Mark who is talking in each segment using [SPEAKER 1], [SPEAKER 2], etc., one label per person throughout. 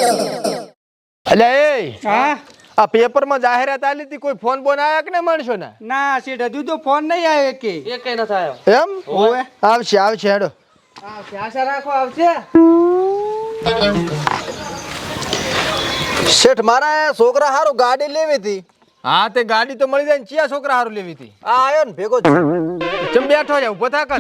[SPEAKER 1] અલ્યા એ
[SPEAKER 2] હા
[SPEAKER 1] આ પેપર માં જાહેરાત આલી હતી, કોઈ ફોન બોન આયા કે ને માણસો ના?
[SPEAKER 2] ના શેઠ હજુ તો ફોન નહીં આવ્યો કે
[SPEAKER 3] એકેય નથી આવ્યો.
[SPEAKER 1] એમ
[SPEAKER 2] ઓવે
[SPEAKER 1] આવશે આવશે હેડો.
[SPEAKER 2] આવશે આશા રાખો આવશે
[SPEAKER 4] શેઠ મારા છોકરા હારું ગાડી લેવી હતી.
[SPEAKER 1] હા તે ગાડી તો મળી જાય ને, ચિયા છોકરા હારું લેવી હતી?
[SPEAKER 4] આ આયો ને ભેગો
[SPEAKER 1] ચમ બેઠો છે, ઉભો થા કર.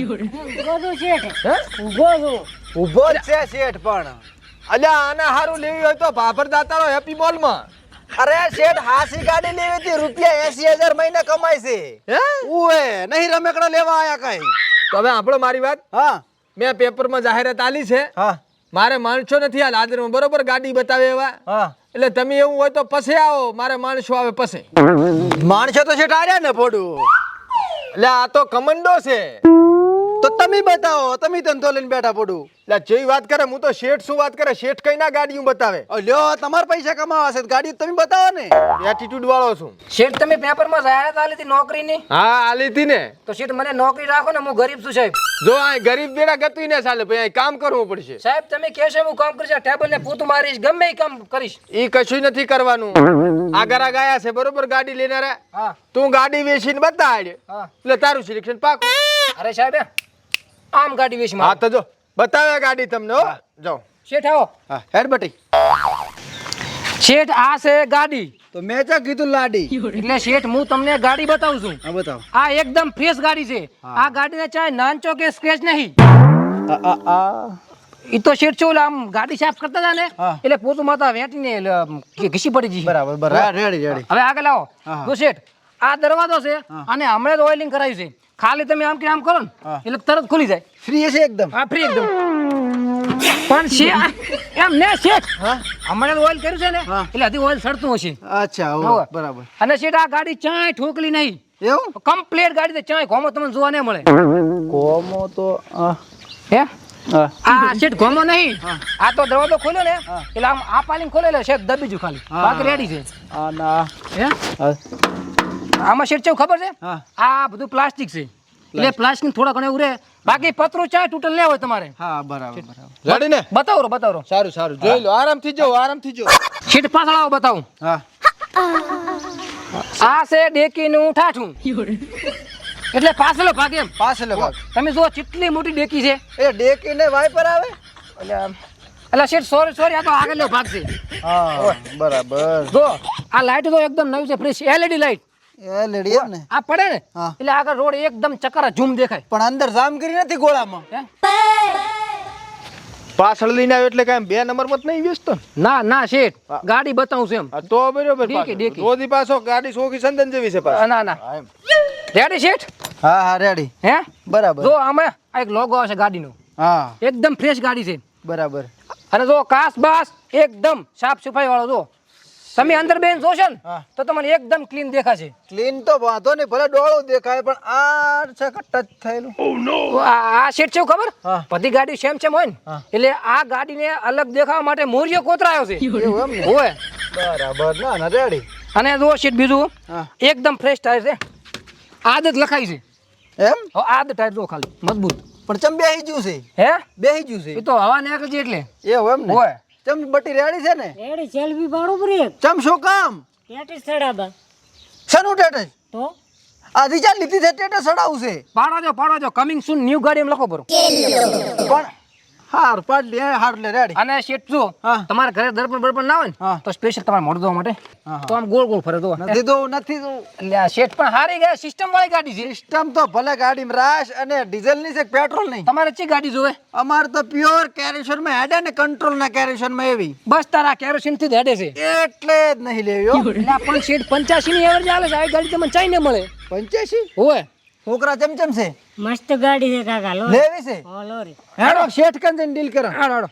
[SPEAKER 4] ઊભો જ છે શેઠ. પણ
[SPEAKER 1] અલ્યા આના હારું લેવી હોય તો ભાભર દાતારો હેપી મોલ માં.
[SPEAKER 4] અરે શેઠ હાસી ગાડી લેવી હતી, રૂપિયા 80,000 મહિને કમાય છે.
[SPEAKER 1] હે
[SPEAKER 4] ઉએ નહીં રમેકડા લેવા આયા કઈ.
[SPEAKER 1] તો હવે આપણો મારી વાત,
[SPEAKER 4] હા
[SPEAKER 1] મેં પેપર માં જાહેરાત આલી છે,
[SPEAKER 4] હા
[SPEAKER 1] મારે માણસો નથી હાલ હાજરમાં, બરોબર? ગાડી બતાવે એવા.
[SPEAKER 4] હા
[SPEAKER 1] એટલે તમે એવું હોય તો પછી આવો, મારે માણસો આવે પછી.
[SPEAKER 4] માણસો તો શેઠ આર્યા ને પોડું.
[SPEAKER 1] એટલે આ તો કમંડો છે.
[SPEAKER 4] તો તમે બતાવો, તમે ધંધો લઈને બેઠા પોડું.
[SPEAKER 1] એટલે જેવી વાત કરે, હું તો શેઠ શું વાત કરે, શેઠ કઈ ના ગાડીઓ બતાવે.
[SPEAKER 4] લ્યો તમારે પૈસા કમાવા છે ગાડી તમે બતાવો ને.
[SPEAKER 1] એટીટ્યુડ વાળો છું.
[SPEAKER 3] શેઠ તમે પેપરમાં જાહેરાત આલી હતી નોકરીની,
[SPEAKER 1] હા આલી હતી ને.
[SPEAKER 3] તો શેઠ મને નોકરી રાખો ને, હું ગરીબ છું સાહેબ.
[SPEAKER 1] જો આ ગરીબ બેડા ગતું ને ચાલે, ભાઈ અહીં કામ કરવું પડશે.
[SPEAKER 3] સાહેબ તમે કહેશો હું કામ કરીશ, ટેબલ ને પોતું મારીશ, ગમે એ કામ કરીશ.
[SPEAKER 1] ઈ કશું નથી કરવાનું. આ ગરા ગયા છે, બરોબર? ગાડી લેનારા.
[SPEAKER 3] હા
[SPEAKER 1] તું ગાડી વેચીને બતાડ,
[SPEAKER 3] હા
[SPEAKER 1] એટલે તારું સિલેક્શન પાકું.
[SPEAKER 3] અરે સાહેબ આમ ગાડી વેચ
[SPEAKER 1] હા તો જો બતાવે ગાડી તમને. હો જાઓ
[SPEAKER 3] શેઠ આવો.
[SPEAKER 4] હા હેડ બટી.
[SPEAKER 3] શેઠ આ છે ગાડી.
[SPEAKER 4] તો મેં ચા કીધું લાડી.
[SPEAKER 3] એટલે શેઠ હું તમને ગાડી બતાવું છું.
[SPEAKER 4] હા બતાવો.
[SPEAKER 3] આ એકદમ ફ્રેશ ગાડી છે. આ ગાડીને ચાહે નાનચો કે સ્ક્રેચ નહીં. ઈ તો શેઠ છો આમ ગાડી સાફ કરતા હતા ને,
[SPEAKER 4] હા.
[SPEAKER 3] એટલે પોતું માતા વેટીને ઘીસી પડી ગઈ.
[SPEAKER 4] બરાબર બરાબર રેડી રેડી.
[SPEAKER 3] હવે આગળ આવો.
[SPEAKER 4] હા.
[SPEAKER 3] જો શેઠ આ દરવાજો છે અને હમણાં જ ઓઇલિંગ કરાવ્યું છે. ખાલી તમે આમ કે આમ કરો ને
[SPEAKER 4] હા.
[SPEAKER 3] એટલે તરત ખુલી જાય.
[SPEAKER 4] ફ્રી છે એકદમ.
[SPEAKER 3] હા ફ્રી એકદમ. પણ એમ ને શેઠ
[SPEAKER 4] હા
[SPEAKER 3] હમણાં ઓઇલ કર્યું છે ને,
[SPEAKER 4] હા.
[SPEAKER 3] એટલે હજી ઓઇલ સડતું હશે.
[SPEAKER 4] અચ્છા
[SPEAKER 3] હોવે.
[SPEAKER 4] હોવે બરાબર.
[SPEAKER 3] અને શેઠ આ ગાડી ચાય ઠોકલી નહીં,
[SPEAKER 4] એવું
[SPEAKER 3] કમ્પ્લીટ ગાડી છે. ચાય ઘોમો તમને જોવા નહીં મળે.
[SPEAKER 4] કોમો તો
[SPEAKER 3] હે
[SPEAKER 4] હા
[SPEAKER 3] આ શેઠ ઘોમો નહીં. આ તો દરવાજો ખોલ્યો ને એટલે આમ આ પાલિંગ ખોલે એટલે શેઠ દબીજું ખાલી, બાકી રેડી છે.
[SPEAKER 4] આ ના
[SPEAKER 3] હે
[SPEAKER 4] હા
[SPEAKER 3] આમાં શેઠ કેવું ખબર છે,
[SPEAKER 4] હા.
[SPEAKER 3] આ બધું પ્લાસ્ટિક છે એટલે પ્લાસ્ટિક થોડા ઘણા ઉરે, બાકી પતરું ચાય તૂટલ ન હોય તમારે.
[SPEAKER 4] હા બરાબર બરાબર.
[SPEAKER 1] ગાડી ને
[SPEAKER 3] બતાવો
[SPEAKER 1] સારું સારું જોઈ લો, આરામથી જો આરામથી જો.
[SPEAKER 3] શેઠ પાછળ આવો બતાવું.
[SPEAKER 4] હા
[SPEAKER 3] આ છે ડેકીનું ઠાઠું, એટલે પાછલો ભાગ એમ.
[SPEAKER 4] પાછળ ભાગ.
[SPEAKER 3] તમે જુઓ કેટલી મોટી ડેકી છે.
[SPEAKER 4] એ ડેકી ને વાઇપર આવે.
[SPEAKER 3] એટલે શેઠ સોરી આ તો આગળનો ભાગ છે.
[SPEAKER 4] હા બરાબર.
[SPEAKER 3] જો આ લાઈટ તો એકદમ નવી છે, ફ્રેશ એલઈડી લાઈટ.
[SPEAKER 4] એ લેડી એમ ને.
[SPEAKER 3] આ પડે ને
[SPEAKER 4] હા.
[SPEAKER 3] એટલે આગળ રોડ એકદમ ચકરા ઝૂમ દેખાય.
[SPEAKER 4] પણ અંદર જામ કરી નથી ગોળામાં.
[SPEAKER 3] હે?
[SPEAKER 1] પાછળ લઈને આવ્યો એટલે કાંઈ 2 નંબર મત નહીં વેચતો ને?
[SPEAKER 3] ના શેઠ ગાડી બતાવું છું એમ.
[SPEAKER 1] હા તો બરોબર.
[SPEAKER 3] Dicky, dicky.
[SPEAKER 1] રોજી પાછો ગાડી સોખી સંદન જેવી છે પાછો.
[SPEAKER 3] ના રેડી શેઠ.
[SPEAKER 4] હા હા રેડી.
[SPEAKER 3] હે
[SPEAKER 4] બરાબર.
[SPEAKER 3] જો આમાં આ એક લોગો આવશે ગાડીનો,
[SPEAKER 4] હા
[SPEAKER 3] એકદમ ફ્રેશ ગાડી છે.
[SPEAKER 4] બરાબર.
[SPEAKER 3] અને જો કાચ બાસ એકદમ સાફ સફાઈ વાળો. જો તમે અંદર બેન જોશો ને
[SPEAKER 4] હા.
[SPEAKER 3] તો તમને એકદમ ક્લીન દેખાશે.
[SPEAKER 4] ક્લીન તો વાંધો નહીં, ભલે ડોળું દેખાય પણ આ છે કે ટચ થયેલું.
[SPEAKER 3] તો આ શેઠ છે ખબર,
[SPEAKER 4] હા.
[SPEAKER 3] બધી ગાડી સેમ હોય ને,
[SPEAKER 4] હા.
[SPEAKER 3] એટલે આ ગાડીને અલગ દેખાવા માટે મોરિયો કોતરાયો છે.
[SPEAKER 4] એવું એમ ને.
[SPEAKER 3] હોય.
[SPEAKER 4] બરાબર. ના ના રેડી.
[SPEAKER 3] અને જો શેઠ બીજું
[SPEAKER 4] હા.
[SPEAKER 3] એકદમ ફ્રેશ ટાયર છે. આદત લખાઈ છે.
[SPEAKER 4] એમ
[SPEAKER 3] હવે આદ ટાયર જો ખાલી મજબૂત.
[SPEAKER 4] પણ ચમ બેહી ગયું છે.
[SPEAKER 3] હે
[SPEAKER 4] બેહી ગયું
[SPEAKER 3] એ
[SPEAKER 4] છે.
[SPEAKER 3] તો હવા નીકળે છે એટલે.
[SPEAKER 4] એવું એમ ને.
[SPEAKER 3] હોય.
[SPEAKER 4] ચમ બટી રેડી છે ને.
[SPEAKER 5] રેડી સેલ્ફી પાડો બ્રેક
[SPEAKER 4] ચમ શું કામ.
[SPEAKER 5] ટેટી સડાબા
[SPEAKER 4] શેનું ટેટસ.
[SPEAKER 5] તો
[SPEAKER 4] આ રીચાર્જ લીધી છે ટેટસ સડાવું છે.
[SPEAKER 3] પાડો જો કમિંગ સૂન ન્યુ ગાડી એમ લખો બરો.
[SPEAKER 4] પણ હાર પાડ લે હાર લે રેડી.
[SPEAKER 3] અને શેઠ જો
[SPEAKER 4] હા.
[SPEAKER 3] તમારા ઘરે દર્પણ બર્પણ ના હોય ને
[SPEAKER 4] હા.
[SPEAKER 3] તો સ્પેશિયલ તમારે મોઢું ધોવા માટે
[SPEAKER 4] હા.
[SPEAKER 3] તો આમ ગોળ ગોળ ફરે દો.
[SPEAKER 4] નથી દઉં નથી દઉં.
[SPEAKER 3] એટલે આ શેઠ પણ હારી ગયા, સિસ્ટમ વાળી ગાડી છે.
[SPEAKER 4] સિસ્ટમ તો ભલે ગાડીમાં રાશ અને ડીઝલ ની છે પેટ્રોલ નહીં.
[SPEAKER 3] તમારે ચી ગાડી જોવે?
[SPEAKER 4] અમાર તો પ્યોર કેરેશન માં હેડે ને કંટ્રોલ ના કેરેશન માં એવી.
[SPEAKER 3] બસ તારા કેરોસીન થી જ હેડે છે.
[SPEAKER 4] એટલે જ નહીં લેવી હો.
[SPEAKER 3] એટલે આ પણ શેઠ 85 ની એવરેજ આવે છે. આ ગાડી તમને ચાઈ ન મળે.
[SPEAKER 4] 85.
[SPEAKER 3] હોય
[SPEAKER 4] છોકરા ચમચમ છે.
[SPEAKER 5] મસ્ત ગાડી છે કાકા લો
[SPEAKER 4] લેવી છે.
[SPEAKER 5] ઓ લોરી
[SPEAKER 4] હેડો શેઠ કન જઈને ડીલ કરો.
[SPEAKER 3] હાડો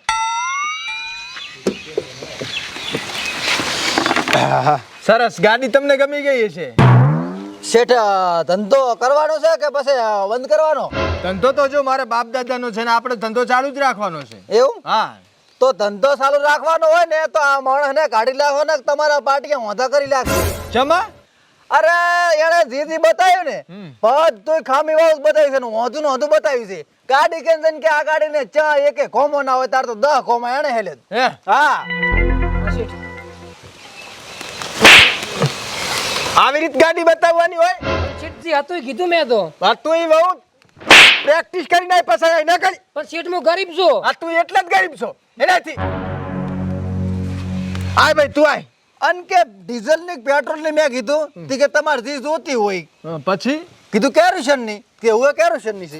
[SPEAKER 1] સરસ. ગાડી તમને ગમી ગઈ છે?
[SPEAKER 4] શેઠ ધંધો કરવાનો છે કે પછી બંધ કરવાનો.
[SPEAKER 1] ધંધો તો જો મારે બાપ દાદાનો છે ને આપણે ધંધો ચાલુ જ રાખવાનો છે.
[SPEAKER 4] એવું
[SPEAKER 1] હા
[SPEAKER 4] તો ધંધો ચાલુ રાખવાનો હોય ને તો આ માણસ ને કાઢી લાવો ને તમારા પાટીએ હોધા કરી લાગશે.
[SPEAKER 1] જમા
[SPEAKER 4] અરે એને જે બતાવ્યું ને બધું ખામી વાળું બતાવ્યું છે ને હોધું હોધું બતાવ્યું છે. ગાડી કેમ કે આ ગાડી ને ચા એકે કોમો ના હોય તાર તો 10 કોમા એને હેલે.
[SPEAKER 1] હે
[SPEAKER 4] હા
[SPEAKER 3] શેઠ.
[SPEAKER 1] આવી રીત ગાડી બતાવવાની હોય
[SPEAKER 3] શેઠજી હતું કીધું મેં તો.
[SPEAKER 1] આ તું ઈ બહુ પ્રેક્ટિસ કરીને આય પાછા આય ના કરી
[SPEAKER 3] પણ શેઠ હું ગરીબ છું.
[SPEAKER 1] આ તું એટલે જ ગરીબ છો એનાથી આય ભાઈ તું આય
[SPEAKER 4] અન કે ડીઝલ ની પેટ્રોલ ની મેં કીધું તી કે તમારે જે જોતી હોય
[SPEAKER 1] પછી
[SPEAKER 4] કીધું કેરોસીન ની કે હું કેરોસીન ની છે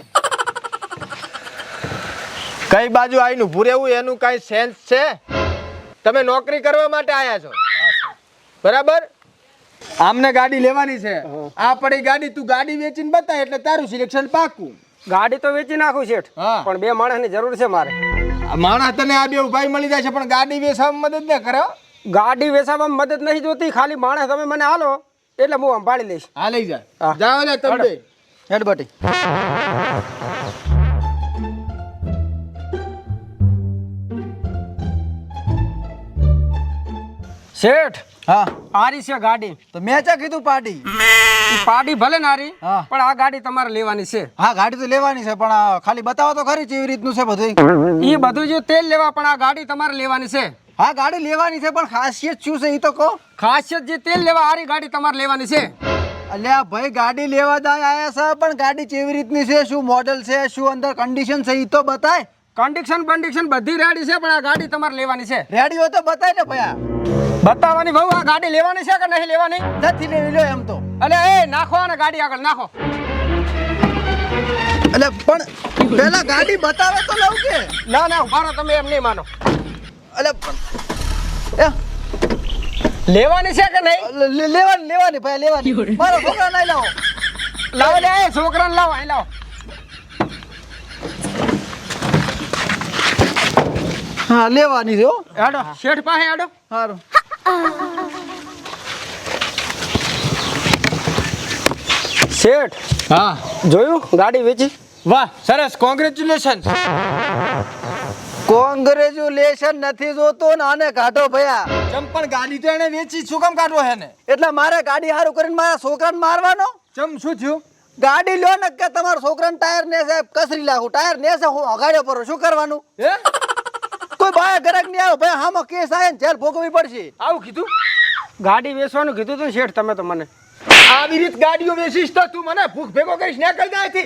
[SPEAKER 1] કઈ બાજુ આવીને ઊભું રહેવું એનું કઈ સેન્સ છે તમે નોકરી કરવા માટે આયા છો બરાબર આમને ગાડી લેવાની છે આ પડી ગાડી તું ગાડી વેચીને બતાય એટલે તારું સિલેક્શન પાકું
[SPEAKER 2] ગાડી તો વેચી નાખું શેઠ
[SPEAKER 1] હા
[SPEAKER 2] પણ 2 માણસની જરૂર છે મારે.
[SPEAKER 1] આ માણસ તને આ બે ભાઈ મળી જાય છે પણ ગાડી વેચવામાં મદદ ન કરે હો.
[SPEAKER 2] ગાડી વેચાવામાં મદદ નહીં જોતી, ખાલી માણસ તમે મને હાલો એટલે હું સંભાળી લઈશ.
[SPEAKER 1] હા લઈ જા
[SPEAKER 2] હા.
[SPEAKER 1] જાઓ ને તમે બે.
[SPEAKER 4] હેડ બટી
[SPEAKER 2] શેઠ
[SPEAKER 4] હા
[SPEAKER 2] આરી છે ગાડી.
[SPEAKER 4] તો મેં ચા કીધું પાડી
[SPEAKER 2] ઈ પાડી ભલે નારી
[SPEAKER 4] હા.
[SPEAKER 2] પણ આ ગાડી તમારે લેવાની છે.
[SPEAKER 4] હા ગાડી તો લેવાની છે પણ આ ખાલી બતાવો તો ખરી કેવી રીતનું છે બધું
[SPEAKER 2] ઈ બધું જો તેલ લેવા પણ આ ગાડી તમારે લેવાની છે.
[SPEAKER 4] હા ગાડી લેવાની છે પણ ખાસિયત શું છે એ તો કહો
[SPEAKER 2] ખાસિયત જે તેલ લેવા આરી ગાડી તમારે લેવાની છે.
[SPEAKER 4] અલ્યા ભાઈ ગાડી લેવા દાય આયા છે પણ ગાડી કેવી રીતની છે શું મોડલ છે શું અંદર કન્ડિશન છે એ તો બતાય
[SPEAKER 2] કન્ડિશન બંડિશન બધી રેડી છે પણ આ ગાડી તમારે લેવાની છે.
[SPEAKER 4] રેડી હોય તો બતાય ને ભયા
[SPEAKER 2] બતાવવાની બહુ આ ગાડી લેવાની છે કે નહીં લેવાની?
[SPEAKER 4] નથી લેવી લ્યો એમ તો
[SPEAKER 2] અલે એ નાખો અને ગાડી આગળ નાખો.
[SPEAKER 4] એટલે પણ પેલા ગાડી બતાવે તો લઉં કે
[SPEAKER 2] ના ના ઉભા રહો તમે એમ નહીં માનો.
[SPEAKER 4] એટલે
[SPEAKER 2] લેવાની છે કે નહીં?
[SPEAKER 4] લેવાની લેવાની ભાઈ લેવાની મારો છોકરા નહીં લાવો
[SPEAKER 2] લાવો લે એ છોકરાને લાવો અહીં લાવો.
[SPEAKER 4] હા લેવાની છે હો
[SPEAKER 2] હેડો શેઠ પાસે હેડો.
[SPEAKER 4] સારું
[SPEAKER 2] શેઠ
[SPEAKER 1] હા
[SPEAKER 2] જોયું ગાડી વેચી?
[SPEAKER 1] વાહ સરસ કોંગ્રેચ્યુલેશન
[SPEAKER 4] કોંગ્રેચ્યુલેશન નથી જોતો ને આને કાઢો ભયા
[SPEAKER 1] ચમ પણ ગાડી તો એને વેચી શું કામ કાઢવો હે ને
[SPEAKER 4] એટલે મારે ગાડી હારું કરીને મારા છોકરાને મારવાનો
[SPEAKER 1] ચમ શું થયું
[SPEAKER 4] ગાડી લ્યો ને કે તમારા છોકરાને ટાયર ને સાહેબ કસરી લાખું ટાયર ને છે હું અગાડ્યો પર શું કરવાનું
[SPEAKER 1] હે
[SPEAKER 4] કોઈ બાય ગરક નહીં આવે ભાઈ હામાં કેસ આવે ને જેલ ભોગવવી પડશે
[SPEAKER 2] આવું કીધું? ગાડી વેચવાનું કીધું તું ને શેઠ તમે તો મને.
[SPEAKER 1] આવી રીત ગાડીઓ વેચીશ તો તું મને ભૂખ ભેગો કરીશ નીકળ જાયથી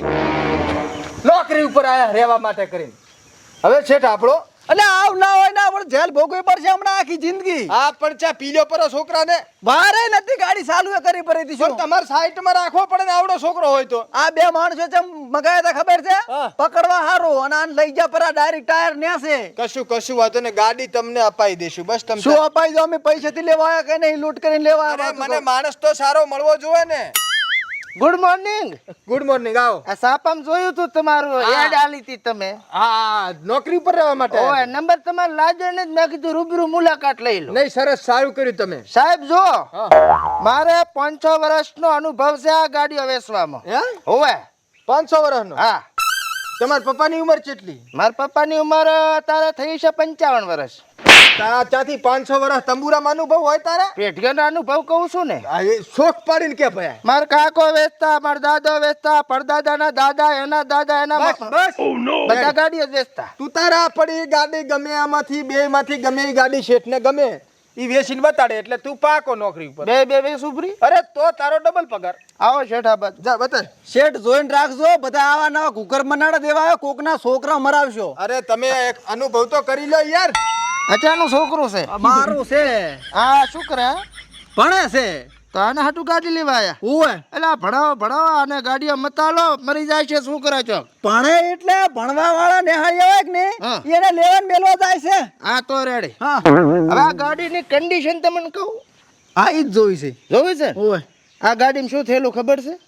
[SPEAKER 1] નોકરી ઉપર આયા રહેવા માટે કરીને હવે શેઠ આપણો
[SPEAKER 4] એટલે આવ ના હોય ના પણ જેલ ભોગવવી પડશે હમણાં આખી જિંદગી
[SPEAKER 1] આ પણ ચા પીલ્યો પર છોકરાને
[SPEAKER 4] વારે નથી ગાડી ચાલુ એ કરી પડી હતી
[SPEAKER 1] પણ
[SPEAKER 4] શું
[SPEAKER 1] તમારે સાઈડમાં રાખવો પડે ને આવડો છોકરો હોય તો
[SPEAKER 4] આ બે માણસો છે મગાયા હતા ખબર છે
[SPEAKER 1] હા.
[SPEAKER 4] પકડવા હારું અને આને લઈ જા પરા ડાયરેક્ટ ટાયર નેસે
[SPEAKER 1] કશું વાતો ને ગાડી તમને અપાઈ દેશું બસ તમે
[SPEAKER 4] શું અપાઈ દો અમે પૈસાથી લેવા આવ્યા કે નહીં લૂંટ કરીને લેવા
[SPEAKER 1] અરે
[SPEAKER 4] આવ્યા
[SPEAKER 1] મને માણસ તો સારો મળવો જોઈએ ને
[SPEAKER 4] ગુડ મોર્નિંગ
[SPEAKER 1] ગુડ મોર્નિંગ આવો
[SPEAKER 4] આ સાપામ જોયું તું તમારું
[SPEAKER 1] હા.
[SPEAKER 4] એડ આલી હતી તમે
[SPEAKER 1] હા નોકરી ઉપર રહેવા માટે
[SPEAKER 4] ઓય નંબર તમારે લાજો ને મેં કીધું રૂબરૂ મુલાકાત લઈ લો
[SPEAKER 1] નહીં સરસ સારું કર્યું તમે
[SPEAKER 4] સાહેબ જો
[SPEAKER 1] હા.
[SPEAKER 4] મારે 5-6 વર્ષનો અનુભવ છે આ ગાડીઓ વેચવામાં
[SPEAKER 1] હે
[SPEAKER 4] હોવે
[SPEAKER 1] 500 વર્ષનો
[SPEAKER 4] હા
[SPEAKER 1] તમારા પપ્પાની ઉંમર કેટલી
[SPEAKER 4] મારા પપ્પાની ઉંમર તારે થઈ છે 55 વર્ષ
[SPEAKER 1] ત્યાંથી 500 વર્ષ તંબુરામાં અનુભવ હોય તારા
[SPEAKER 4] પેઢીઓનો અનુભવ કહું છું ને
[SPEAKER 1] આ એ શોખ પાડીને કે ભયા
[SPEAKER 4] મારા કાકો વેચતા મારા દાદો વેચતા પરદાદાના દાદા એના દાદા એના
[SPEAKER 1] બસ બસ
[SPEAKER 4] બધા ગાડીઓ જ વેચતા
[SPEAKER 1] તું તારા પડી ગાડી ગમે આમાંથી બે માંથી ગમે એ ગાડી શેઠને ગમે ઈ વેચીને બતાડે એટલે તું પાકો નોકરી ઉપર
[SPEAKER 4] બે સુભરી
[SPEAKER 1] અરે તો તારો ડબલ પગાર
[SPEAKER 4] આવો શેઠાબાદ
[SPEAKER 1] જા બતાડ
[SPEAKER 4] શેઠ જોઈને રાખજો બધા આવા નવા કુકર મનાડા દેવા આવ્યો કોકના છોકરા મરાવશો
[SPEAKER 1] અરે તમે એક અનુભવ તો કરી લો યાર
[SPEAKER 4] અચાનું છોકરું છે મારું છે હા શું કરે ભણે છે તો આને હાટું ગાડી લેવા આયા ઓય એટલે ભણાવો અને ગાડીઓ મતાલો મરી જાય છે શું કરે છો ભણે એટલે ભણવા વાળા નિહાળી આવે કે ને એને લેવાન મેલવા જાય છે હા તો રેડી હા હવે આ ગાડીની કન્ડિશન તમને કહું હા ઈ જ જોઈ છે ઓય આ ગાડીમાં શું થયેલું ખબર છે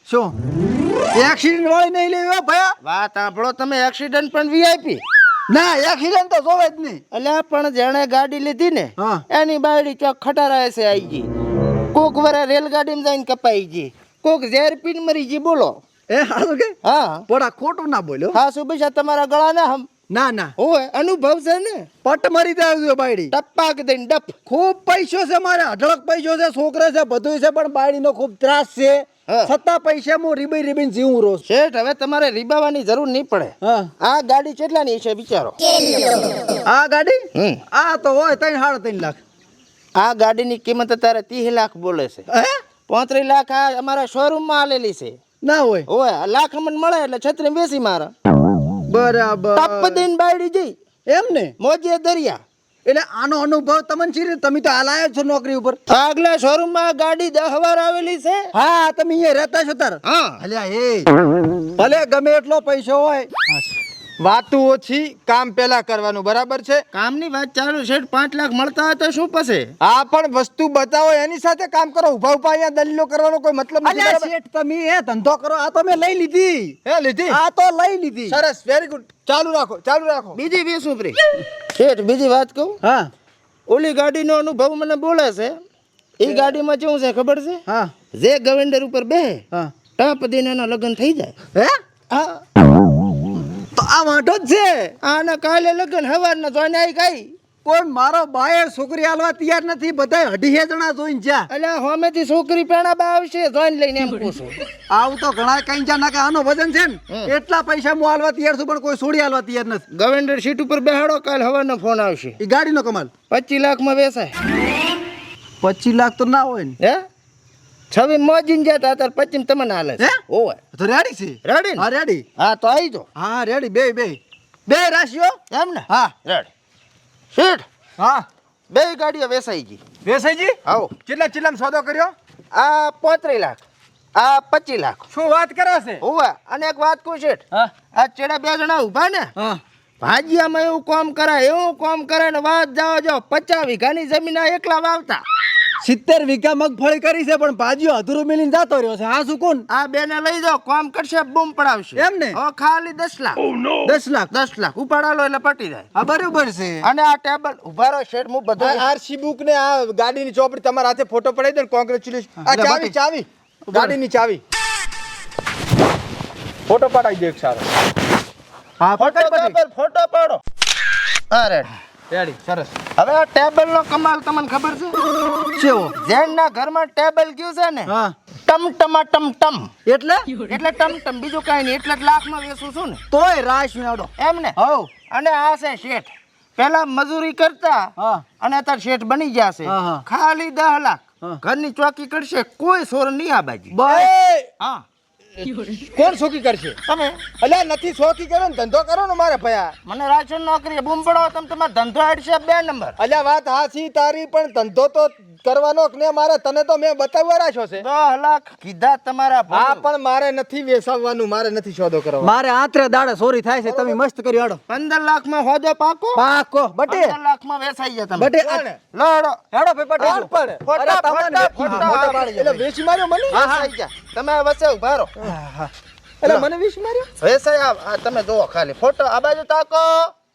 [SPEAKER 4] શું એક્સિડન્ટ વાળી નહીં લેવી ભયા વાત સાંભળો તમે એક્સિડન્ટ પણ વીઆઈપી ના એક્સિડન્ટ તો જોવે જ નહીં એટલે પણ જેણે ગાડી લીધી ને એની બાયડી ચોક ખટારાય છે આવી ગઈ કોક વરે રેલગાડીમાં જઈને કપાઈ ગઈ કોક ઝેર પીને મરી ગઈ બોલો એ હારું કે હા પોડા ખોટું ના બોલ્યો હા સુબેશા તમારા ગળા ના હમ ના ઓય અનુભવ છે ને પટ મરી જાય બાયડી ટપ્પાક દઈને ડપ ખૂબ પૈસો છે મારે અઢળક પૈસો છે છોકરા છે બધું છે પણ બાયડીનો ખૂબ ત્રાસ છે છતાં પૈસા હું રીબીને જીવું રોજ શેઠ હવે તમારે રીબાવાની જરૂર નહીં પડે આ ગાડી કેટલાની છે વિચારો આ ગાડી આ તો હોય 3.5 લાખ આ ગાડીની કિંમત અત્યારે 30 લાખ બોલે છે. 35 લાખ આ અમારા શોરૂમમાં આલેલી છે.
[SPEAKER 2] ના હોય
[SPEAKER 4] ઓય લાખ મને મળે એટલે છત્રી બેસી મારા
[SPEAKER 2] બરાબર
[SPEAKER 4] ટપ દઈને બાયડી જઈ
[SPEAKER 2] એમ ને
[SPEAKER 4] મોજે દરિયા.
[SPEAKER 2] એટલે આનો અનુભવ તમને છે તમે તો હાલ આવ્યા છો નોકરી ઉપર
[SPEAKER 4] આગલા શોરૂમમાં ગાડી 10 વાર આવેલી છે.
[SPEAKER 2] હા તમે અહીંયા રહેતા છો તાર
[SPEAKER 4] હા
[SPEAKER 2] અલ્યા એ ભલે ગમે એટલો પૈસો હોય
[SPEAKER 1] વાતું ઓછી કામ પેલા કરવાનું, બરાબર છે?
[SPEAKER 4] કામની વાત ચાલુ છે. 5 લાખ મળતા હોય તો શું પછી?
[SPEAKER 1] આ પણ વસ્તુ બતાવો એની સાથે કામ કરો. ઉભા ઉભા અહીંયા દલીલો કરવાનો કોઈ મતલબ નથી,
[SPEAKER 2] અલ્યા
[SPEAKER 1] બરાબર?
[SPEAKER 2] શેઠ તમે એ ધંધો કરો આ તો મેં લઈ લીધી
[SPEAKER 1] હે લીધી?
[SPEAKER 2] આ તો લઈ લીધી
[SPEAKER 1] સરસ, વેરી ગુડ. ચાલુ રાખો, ચાલુ રાખો.
[SPEAKER 4] બીજી 20 ઉપરી શેઠ બીજી વાત કહું.
[SPEAKER 2] હા
[SPEAKER 4] ઓલી ગાડીનો અનુભવ મને બોલે છે. એ ગાડીમાં કેવું છે ખબર છે?
[SPEAKER 2] હા
[SPEAKER 4] જે ગવેન્ડર ઉપર બે
[SPEAKER 2] હા
[SPEAKER 4] ટપ દઈને એના લગ્ન થઈ જાય.
[SPEAKER 2] હે
[SPEAKER 4] હા
[SPEAKER 2] તો આ વાંધો જ છે
[SPEAKER 4] આના કાલે લગ્ન હવારના જોઈને આવી ગઈ.
[SPEAKER 2] કોઈ મારો બાયર છોકરી આલવા તૈયાર નથી બધા 2.5 જણા જોઈને જ્યાં
[SPEAKER 4] અલ્યા હોમેથી છોકરી પેણા બા આવશે જોઈને લઈને એમ પૂછું.
[SPEAKER 2] આવું તો ઘણા કઈ જા નાખે આનો વજન છે ને એટલા પૈસા હું આલવા તૈયાર છું પણ કોઈ છોડી આલવા તૈયાર નથી
[SPEAKER 4] ગવેન્ડર સીટ ઉપર બેહાડો કાલ હવાનો ફોન આવશે.
[SPEAKER 2] એ ગાડીનો કમાલ
[SPEAKER 4] 25 લાખમાં વેચાય.
[SPEAKER 2] 25 લાખ તો ના હોય ને
[SPEAKER 4] હે છવી મોજીને જતા અત્યારે 25 તમને હાલે છે.
[SPEAKER 2] હે?
[SPEAKER 4] ઓય
[SPEAKER 2] તો રેડી છે
[SPEAKER 4] રેડી ને?
[SPEAKER 2] હા રેડી
[SPEAKER 4] હા તો આવી જો.
[SPEAKER 2] હા રેડી બે બે બે રાશિઓ
[SPEAKER 4] એમ ને?
[SPEAKER 2] હા
[SPEAKER 4] રેડી શેઠ
[SPEAKER 1] હા
[SPEAKER 4] બે ગાડીઓ વેચાઈ ગઈ.
[SPEAKER 1] વેસાઈજી,
[SPEAKER 4] આવો
[SPEAKER 1] કેટલા ચિલ્લામાં સોદો કર્યો?
[SPEAKER 4] આ 35 લાખ આ 25 લાખ.
[SPEAKER 1] શું વાત કરે છે?
[SPEAKER 4] ઓય અને એક વાત કહું શેઠ,
[SPEAKER 2] હા
[SPEAKER 4] આ ચેડા 2 જણા ઊભા ને
[SPEAKER 2] હા
[SPEAKER 4] ભાજીયામાં એવું કામ કરાય એવું કામ કરે ને વાત જાઓ જો 50 વીઘાની જમીન આ એકલા વાવતા.
[SPEAKER 2] 70 વીઘા મગફળી કરી છે પણ ભાજીઓ અધૂરો મેલીને જતો રહ્યો છે હા શું કોણ
[SPEAKER 4] આ બેને લઈ જાઓ કામ કરશે બૂમ પડાવશે.
[SPEAKER 2] એમ ને?
[SPEAKER 4] હવે ખાલી 10 લાખ
[SPEAKER 2] 10 લાખ
[SPEAKER 4] 10 લાખ ઉપાડાલો એટલે પટી જાય.
[SPEAKER 2] હા બરોબર છે
[SPEAKER 4] અને આ ટેબલ ઉભા રહો શેઠ હું બધું
[SPEAKER 1] આરસી બુક ને આ ગાડીની ચોપડી તમારા હાથે ફોટો પડાવી દો. કોંગ્રેચ્યુલેશન. આ
[SPEAKER 2] એટલે
[SPEAKER 1] ચાવી, ચાવી, ગાડીની ચાવી ફોટો પડાવી દો એક સારો.
[SPEAKER 2] હા
[SPEAKER 4] ફોટો કાપડ, ફોટો પાડો. અરે
[SPEAKER 1] રેડી, સરસ.
[SPEAKER 4] હવે આ ટેબલ નો કમાલ તમને ખબર છે?
[SPEAKER 2] કેવો
[SPEAKER 4] જેના ઘરમાં ટેબલ ગયું છે ને
[SPEAKER 2] હા
[SPEAKER 4] ટમ ટમા ટમ ટમ
[SPEAKER 2] એટલે
[SPEAKER 4] એટલે ટમ ટમ બીજું કાંઈ નહીં. એટલે જ લાખમાં વેચું છું ને
[SPEAKER 2] તોય રાશ મેળો
[SPEAKER 4] એમ ને.
[SPEAKER 2] હવ
[SPEAKER 4] અને આ છે શેઠ પેલા મજૂરી કરતા
[SPEAKER 2] હા
[SPEAKER 4] અને અત્યારે શેઠ બની ગયા છે.
[SPEAKER 2] હા, હા.
[SPEAKER 4] ખાલી 10 લાખ
[SPEAKER 2] હા.
[SPEAKER 4] ઘરની ચોકી કરશે કોઈ સોર નહીં આ બાજી.
[SPEAKER 2] બસ
[SPEAKER 4] હા
[SPEAKER 1] કોણ શોકી કરશે?
[SPEAKER 4] તમે
[SPEAKER 1] અલ્યા નથી શોકી કરો ને ધંધો કરો ને મારે ભયા.
[SPEAKER 4] મને રાશન નોકરી બૂમ પડો તમે તમારો ધંધો અડશે 2 નંબર.
[SPEAKER 1] અલ્યા વાત હાસી તારી, પણ ધંધો તો કરવાનો કે ને મારે. તને તો મેં બતાવવા રાખ્યો છે.
[SPEAKER 4] 10 લાખ કીધા તમારા
[SPEAKER 1] હા
[SPEAKER 4] ભાવ.
[SPEAKER 1] પણ મારે નથી વેસાવવાનું, મારે નથી સોદો કરવાનો.
[SPEAKER 2] મારે આત્રે દાડે ચોરી થાય છે તમે મસ્ત કરી આડો
[SPEAKER 4] 15 લાખમાં હોદો પાકો.
[SPEAKER 2] પાકો બટે
[SPEAKER 4] 15 લાખમાં વેચાઈ જાય તમે.
[SPEAKER 2] બટે
[SPEAKER 1] કોણ?
[SPEAKER 4] લડો
[SPEAKER 2] હેડો ભાઈ
[SPEAKER 1] કોણ
[SPEAKER 2] પટેલ
[SPEAKER 1] પણ?
[SPEAKER 4] ફોટા,
[SPEAKER 2] અરે તમને
[SPEAKER 4] ફોટા,
[SPEAKER 2] ફોટા,
[SPEAKER 4] ફોટા.
[SPEAKER 2] ફોટા પાડી
[SPEAKER 1] એટલે વેચી માર્યો મને?
[SPEAKER 4] વેચાઈ જાય. તમે વચ્ચે ઉભા રહો.
[SPEAKER 1] એટલે મને વેચી માર્યો?
[SPEAKER 4] વેચાઈ આ તમે જોવો ખાલી ફોટો આ બાજુ તાકો.